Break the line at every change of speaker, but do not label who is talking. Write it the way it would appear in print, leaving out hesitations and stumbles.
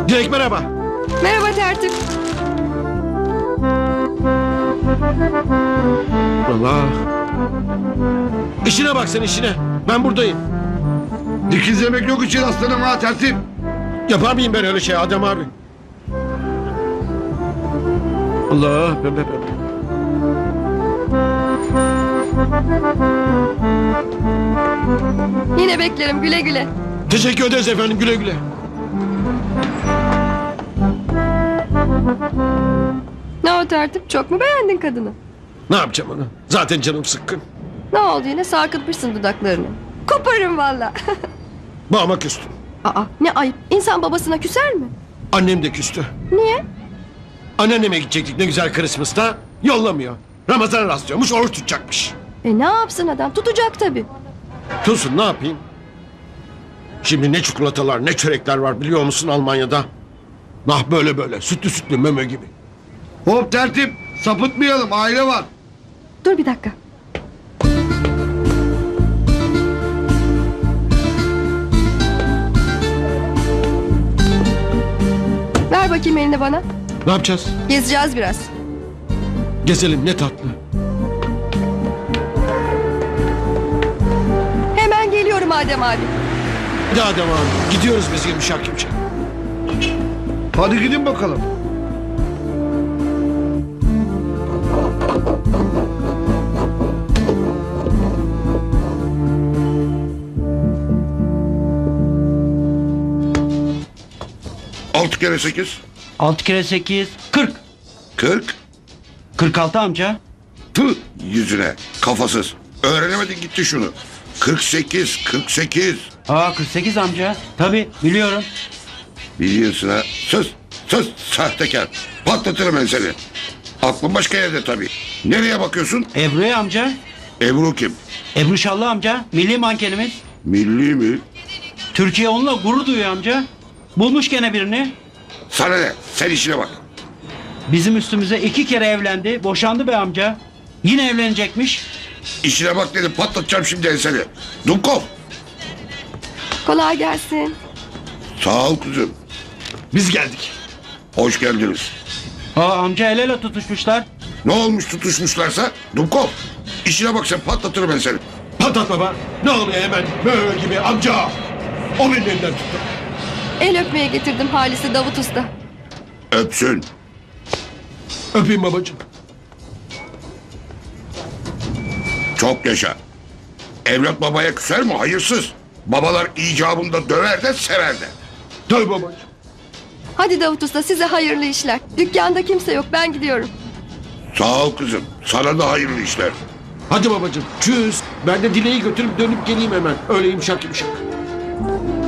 Dilek merhaba.
Merhaba tertip.
Allah. İşine bak sen işine. Ben buradayım.
Dikizlemek yok için aslanım ha tertip.
Yapar mıyım ben öyle şey Adem abi? Allah. Be.
Yine beklerim güle güle.
Teşekkür ederiz efendim, güle güle.
Ne o tertip, çok mu beğendin kadını?
Ne yapacağım onu? Zaten canım sıkkın.
Ne oldu yine, sarkıtmışsın dudaklarını. Koparırım valla.
Babama küstüm.
Aa, ne ayıp, İnsan babasına küser mi?
Annem de küstü.
Niye?
Anneanneme gidecektik ne güzel Christmas'ta. Yollamıyor. Ramazan rastlıyormuş, oruç tutacakmış.
Ne yapsın adam, tutacak tabii.
Tutsun, ne yapayım? Şimdi ne çikolatalar ne çörekler var biliyor musun Almanya'da? Nah böyle sütlü sütlü meme gibi.
Hop tertip, sapıtmayalım, aile var.
Dur bir dakika. Ver bakayım elini bana.
Ne yapacağız?
Gezeceğiz biraz.
Gezelim, ne tatlı.
Hemen geliyorum Adem abi.
Hadi Adem abi, gidiyoruz biz yumuşak.
Hadi gidin bakalım. Altı kere 8.
6 kere 8 40.
40.
46 amca.
Tüh yüzüne, kafasız. Öğrenemedin gitti şunu. 48, 48.
48 amca. Tabi biliyorum.
Biliyorsun ha. Sus sahtekar. Patlatırım ben seni. Aklın başka yerde tabii. Nereye bakıyorsun?
Ebru'ya amca.
Ebru kim?
Ebru Şallı amca. Milli mankenimiz.
Milli mi?
Türkiye onunla gurur duyuyor amca. Bulmuş gene birini.
Sana ne? Sen işine bak.
Bizim üstümüze 2 kere evlendi. Boşandı be amca. Yine evlenecekmiş.
İşine bak dedim, patlatacağım şimdi seni. Dumkov.
Kolay gelsin.
Sağ ol kızım.
Biz geldik.
Hoş geldiniz.
Amca el ele tutuşmuşlar.
Ne olmuş tutuşmuşlarsa? Dumkov. İşine bak sen, patlatırım ben seni.
Patlat baba. Ne oluyor hemen böyle gibi amca. O benim elimden tuttu.
El öpmeye getirdim Halis'i Davut Usta.
Öpsün.
Öpeyim babacığım.
Çok yaşa. Evlat babaya küser mi? Hayırsız. Babalar icabında döver de sever de.
Tabii babacığım.
Hadi Davut Usta, size hayırlı işler. Dükkanda kimse yok, ben gidiyorum.
Sağ ol kızım. Sana da hayırlı işler.
Hadi babacığım. Çüz. Ben de Dileği götürüp dönüp geleyim hemen. Öyle yumuşak.